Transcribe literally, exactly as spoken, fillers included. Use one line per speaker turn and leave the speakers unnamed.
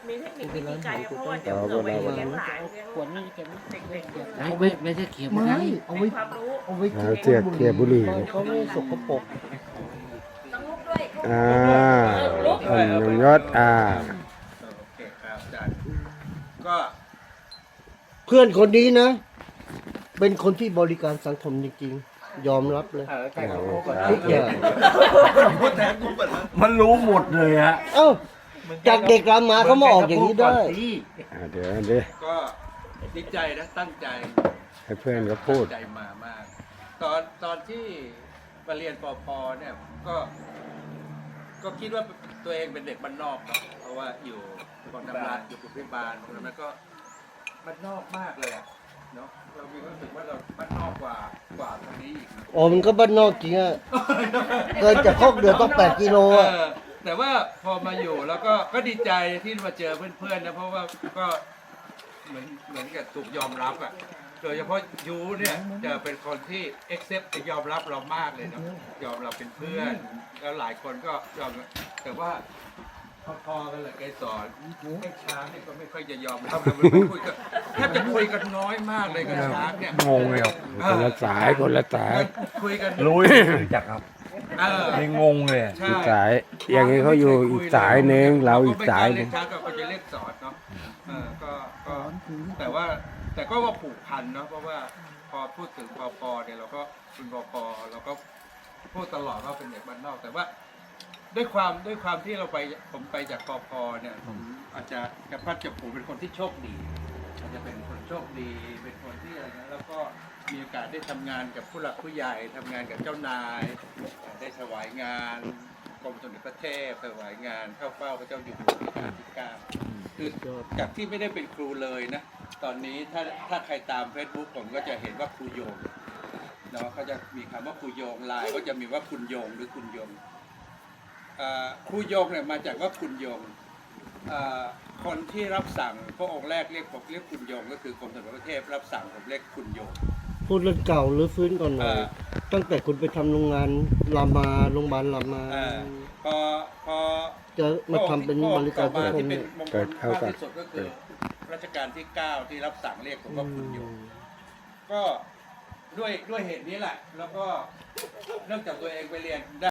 มีเทคนิควิธีการเพราะว่าเดี๋ยวเกิดไปเลี้ยงหลานเลี้ยง
ขวดนี่เก็บ
เด็กๆ
ไม่ไม่ไม่ใช่เขียว
ไม่
นะ
เอาไว้
ความรู้
เอาไว้
หาเสียกเกียบุหรี่
เขาไม่สกปรก
ต้องลุกด้วย
อ่าท่านยงยศอ่า
โอเคครับอาจารย์ก็
เพื่อนคนนี้นะ เป็นคนที่บริการสังคมจริงๆ ยอมรับเลย
ใครเขาพูดก่อน
ทุกอย่าง
พูดแทนกูเปิดแล้ว
มันรู้หมดเลยฮะ
เอ้าจากเด็กรามาเขามาออกอย่างนี้ได้
อ่าเดี๋ยวเดี๋ยว
ก็ดีใจนะตั้งใจ
ให้เพื่อนเขาพูด
ตั้งใจมามาก ตอนตอนที่มาเรียนปอพอเนี่ยก็ ก็คิดว่าตัวเองเป็นเด็กบ้านนอกเนาะเพราะว่าอยู่กองทำงานอยู่กรุงเทพบาลแล้วก็บ้านนอกมากเลยอะเนาะเรามีความรู้สึกว่าเราบ้านนอกกว่ากว่าตรงนี้อีกนะ
อ๋อมันก็บ้านนอกจริงอะเกินจากคอกเดือต้องแปดกิโลอะ
เออแต่ว่าพอมาอยู่แล้วก็ก็ดีใจที่มาเจอเพื่อนๆนะเพราะว่าก็เหมือนเหมือนกับถูกยอมรับอ่ะโดยเฉพาะยูเนี่ยจะเป็นคนที่ accept จะยอมรับเรามากเลยเนาะยอมเราเป็นเพื่อน แล้วหลายคนก็ยอมแต่ว่าพอๆกันเลยไกสอนไอ้ช้างเนี่ยก็ไม่ค่อยจะยอมรับเราไม่คุยกันแทบจะคุยกันน้อยมากเลยกับช้างเนี่ย
งงเลยครับ
คนละสายคนละสาย
คุยกัน
รู้รู้จักครับ
เออ
ไม่งงเลย
ใช่
อีกสายอย่างนี้เขาอยู่อีกสายหนึ่งเราอีกสายหนึ่ง
เรก็ไม่กล้เรียกช้างก็จะเรียกสอนเนาะเออก็ก็แต่ว่าแต่ก็ว่าผูกพันเนาะเพราะว่าพอพูดถึงพอพอเนี่ยเราก็เป็นพอพอเราก็พูดตลอดว่าเป็นเด็กบ้านนอก แต่ว่าด้วยความด้วยความที่เราไปผมไปจากพอพอเนี่ยผมอาจจะกระพัดจับผูเป็นคนที่โชคดีอาจจะเป็นคนโชคดีเป็นคนที่อะไรนะแล้วก็มีโอกาสได้ทำงานกับผู้หลักผู้ใหญ่ทำงานกับเจ้านาย ได้ถวายงานกรมสมเด็จพระเทพถวายงานเข้าเฝ้าพระเจ้าอยู่หัวรัชกาลที่เก้าคือจากที่ไม่ได้เป็นครูเลยนะ ตอนนี้ถ้าถ้าใครตาม Facebook ผมก็จะเห็นว่าครูโยงเนาะเขาจะมีคำว่าครูโยงไลน์ก็จะมีว่าคุณโยงหรือคุณโยงอ่าครูโยงเนี่ยมาจากว่าคุณโยงอ่าคนที่รับสั่งพระองค์แรกเรียกผมเรียกคุณโยงก็คือกรมสมเด็จพระเทพรับสั่งผมเรียกคุณโยง
พูดเรื่องเก่าหรือฟื้นก่อนหน่อย
เออ
ตั้งแต่คุณไปทำโรงงานรามาโรงพยาบาลรามา
อ่าพอพอ
จะมาทำเป็นบริการสังคม
ที่เป็
เนี่
น
ย
มงคลมากที่สุดก็คือรัชกาลที่เก้าที่รับสั่งเรียกผมว่าคุณโยมก็ด้วยด้วยเหตุนี้แหละ แล้วก็เนื่องจากตัวเองไปเรียน